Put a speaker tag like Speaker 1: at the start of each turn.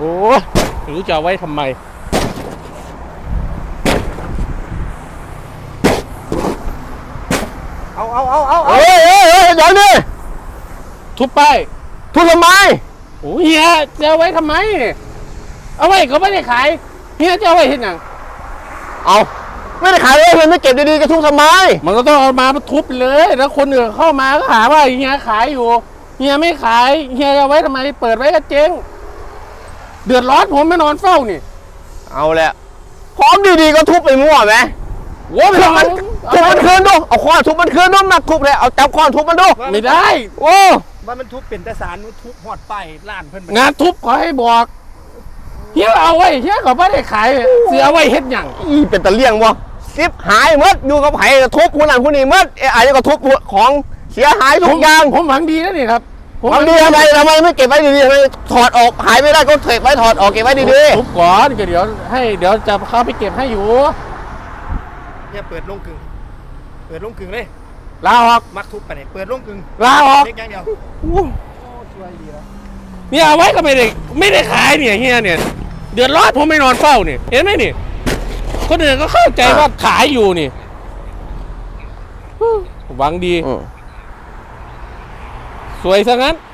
Speaker 1: อ้ไม่รู้จะเอาไว้ทำไม
Speaker 2: เฮ้ยเดี๋ยวนี่
Speaker 1: ทุบป้าย
Speaker 2: ทุบทำไม
Speaker 1: โอ้เฮียจะเอาไว้ทำไมเอาไว้ก็ไม่ได้ขายเฮียจะเอาไว้เห็นหนัง
Speaker 2: เอาไม่ได้ขายเลยไม่เก็บดีๆกระทุบทำไม
Speaker 1: มันก็ต้องเอามาทุบเลยแล้วคนอื่นเข้ามาก็หาว่าเฮียขายอยู่เฮียไม่ขายเฮียเอาไว้ทำไมเปิดไว้ก็เจ๊งเดือดร้อนผมไม่นอนเฝ้านี่
Speaker 2: เอาแหละของดีๆก็ทุบไปมั่วไหม
Speaker 1: โว้ย
Speaker 2: ทุบมันคืนดูเอาค้อนทุบมันคืนดูมาทุบเลยเอาจับค้อนทุบมันดู
Speaker 1: ไม่ได้
Speaker 2: โอ้
Speaker 3: ว่ามันทุบเป็นแต่สารมันทุบหอดไปล้านเพิ่น
Speaker 1: งานทุบขอให้บอกเฮียเอาไว้เฮียก็ไม่ได้ขายเสียเอาไว้เฮ็ดหยัง
Speaker 2: อีเป็นตะเลี่ยงวะซิบหายหมดอยู่กับไผ่ทุบคนนั้นคนนี้หมดไอ้ก็ทุบของเสียหายทุกอย่าง
Speaker 1: ผมหวังดีนะนี่ครับผม
Speaker 2: ทำดีทำไมไม่เก็บไว้ดีๆทำไมถอดออกหายไม่ได้ก็เก็บไว้ถอดออกเก็บไว้ดี
Speaker 1: ทุบก่อนก็เดี๋ยวจะเข้าไปเก็บให้อยู่
Speaker 3: เนี่ยเปิดลงกึ่งเลย
Speaker 1: ลาออก
Speaker 3: มักทุบไปเนี่ยเปิดลงกึ่ง
Speaker 1: ลาออก
Speaker 3: เล็กอย่างเดียว ช่วยดีแล้ว
Speaker 1: เนี่ยเอาไว้ก็ไม่ได้ขายเนี่ยเฮียเนี่ยเดือดร้อนผมไม่นอนเฝ้าเนี่ยเห็นไหมนี่คนอื่นก็เข้าใจว่าขายอยู่นี่หวังดี
Speaker 2: ๆ
Speaker 1: สวยซะงั้น